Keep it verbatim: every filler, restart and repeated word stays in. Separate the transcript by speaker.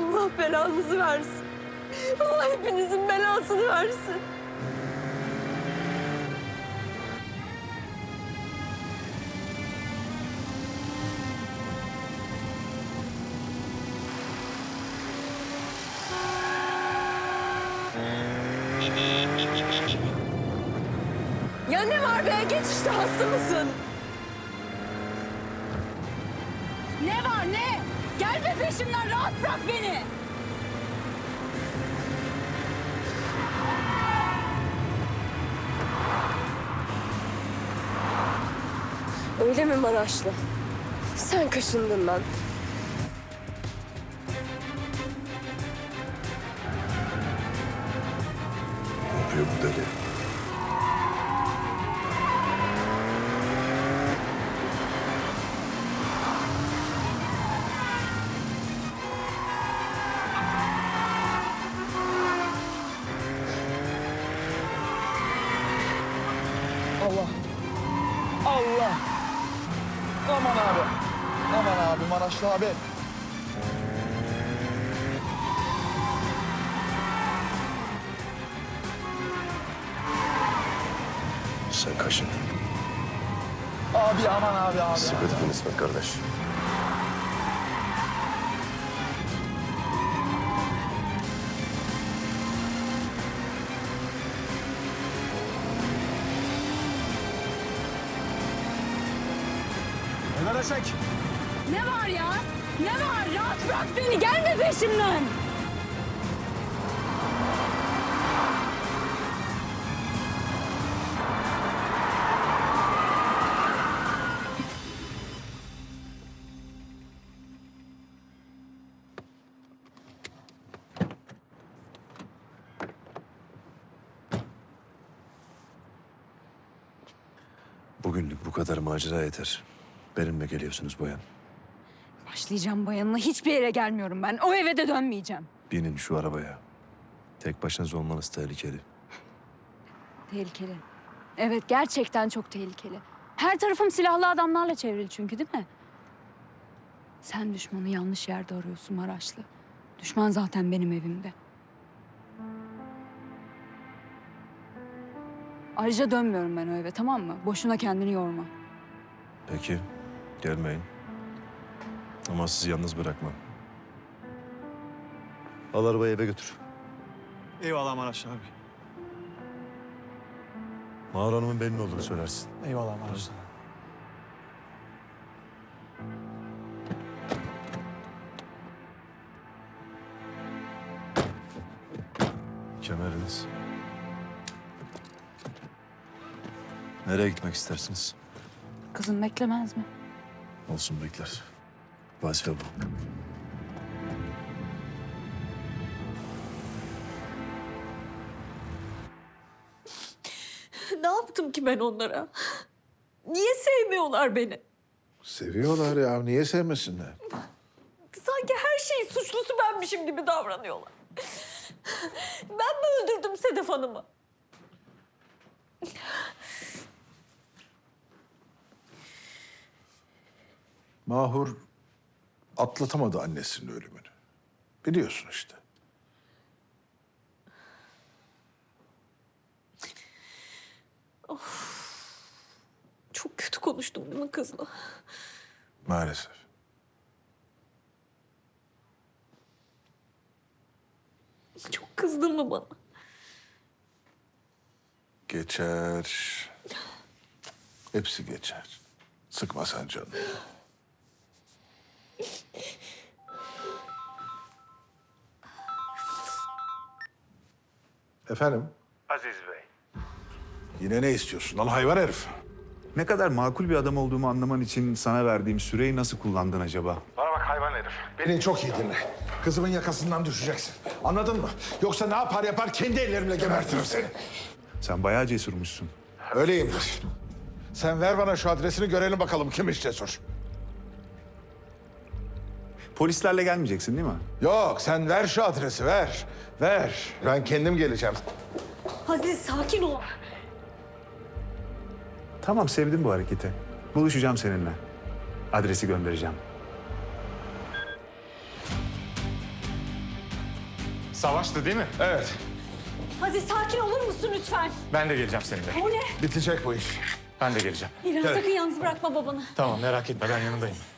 Speaker 1: Allah belanızı versin. Allah hepinizin belasını versin. Ya ne var be? Geç işte, hasta mısın?
Speaker 2: Ne var ne? Gelme peşimden, rahat bırak beni.
Speaker 1: Öyle mi Maraşlı? Sen kaşındın lan.
Speaker 3: Ne yapıyor bu deli?
Speaker 4: Allah. Allah. Aman abi. Aman abi Maraşlı abi.
Speaker 3: Sen kaşındın.
Speaker 4: Abi aman abi abi.
Speaker 3: Sıkı tutun İsmet kardeş.
Speaker 4: Helal eşek.
Speaker 2: Ne var ya? Ne var? Rahat bırak beni, gelme peşimden.
Speaker 3: Bugünlük bu kadar macera yeter. Benimle geliyorsunuz Boyan.
Speaker 2: Başlayacağım bayanına, hiçbir yere gelmiyorum ben. O eve de dönmeyeceğim.
Speaker 3: Binin şu arabaya. Tek başınıza olmanız tehlikeli.
Speaker 2: Tehlikeli. Evet, gerçekten çok tehlikeli. Her tarafım silahlı adamlarla çevrili çünkü, değil mi? Sen düşmanı yanlış yerde arıyorsun Maraşlı. Düşman zaten benim evimde. Ayrıca dönmüyorum ben o eve, tamam mı? Boşuna kendini yorma.
Speaker 3: Peki, gelmeyin. Ama sizi yalnız bırakmam. Al arabayı eve götür.
Speaker 4: Eyvallah Maraşlı abi.
Speaker 3: Mağar Hanım'ın benim olduğunu söylersin.
Speaker 4: Eyvallah Maraşlı.
Speaker 3: Kemeriniz. Nereye gitmek istersiniz?
Speaker 2: Kızın beklemez mi?
Speaker 3: Olsun bekler. Vazife bu.
Speaker 1: Ne yaptım ki ben onlara? Niye sevmiyorlar beni?
Speaker 5: Seviyorlar ya. Niye sevmesinler?
Speaker 1: Sanki her şeyin suçlusu benmişim gibi davranıyorlar. Ben mi öldürdüm Sedef Hanım'ı?
Speaker 5: Mahur atlatamadı annesinin ölümünü. Biliyorsun işte.
Speaker 1: Çok kötü konuştum değil mi kızla?
Speaker 5: Maalesef.
Speaker 1: Çok kızdın mı bana?
Speaker 5: Geçer. Hepsi geçer. Sıkma sen canını. Efendim?
Speaker 6: Aziz Bey,
Speaker 5: Yine ne istiyorsun lan hayvan herif?
Speaker 6: ne kadar makul bir adam olduğumu anlaman için sana verdiğim süreyi nasıl kullandın acaba?
Speaker 5: Bana bak hayvan herif. Beni çok iyi dinle. Kızımın yakasından düşeceksin. Anladın mı? Yoksa ne yapar yapar kendi ellerimle gebertirim seni.
Speaker 6: Sen bayağı cesurmuşsun.
Speaker 5: Öyleyimdir. Sen ver bana şu adresini görelim bakalım kimmiş cesur.
Speaker 6: Polislerle gelmeyeceksin değil mi?
Speaker 5: Yok sen ver şu adresi ver. Ver. Ben kendim geleceğim.
Speaker 1: Aziz sakin ol.
Speaker 6: Tamam, sevdim bu hareketi. Buluşacağım seninle. Adresi göndereceğim.
Speaker 7: Savaştı değil mi?
Speaker 5: Evet.
Speaker 1: Hadi sakin olur musun lütfen?
Speaker 7: Ben de geleceğim seninle.
Speaker 1: O ne?
Speaker 5: Bitecek bu iş.
Speaker 7: Ben de geleceğim.
Speaker 1: İlhan
Speaker 5: Gel.
Speaker 1: sakın yalnız bırakma babanı.
Speaker 7: Tamam merak etme ben yanındayım.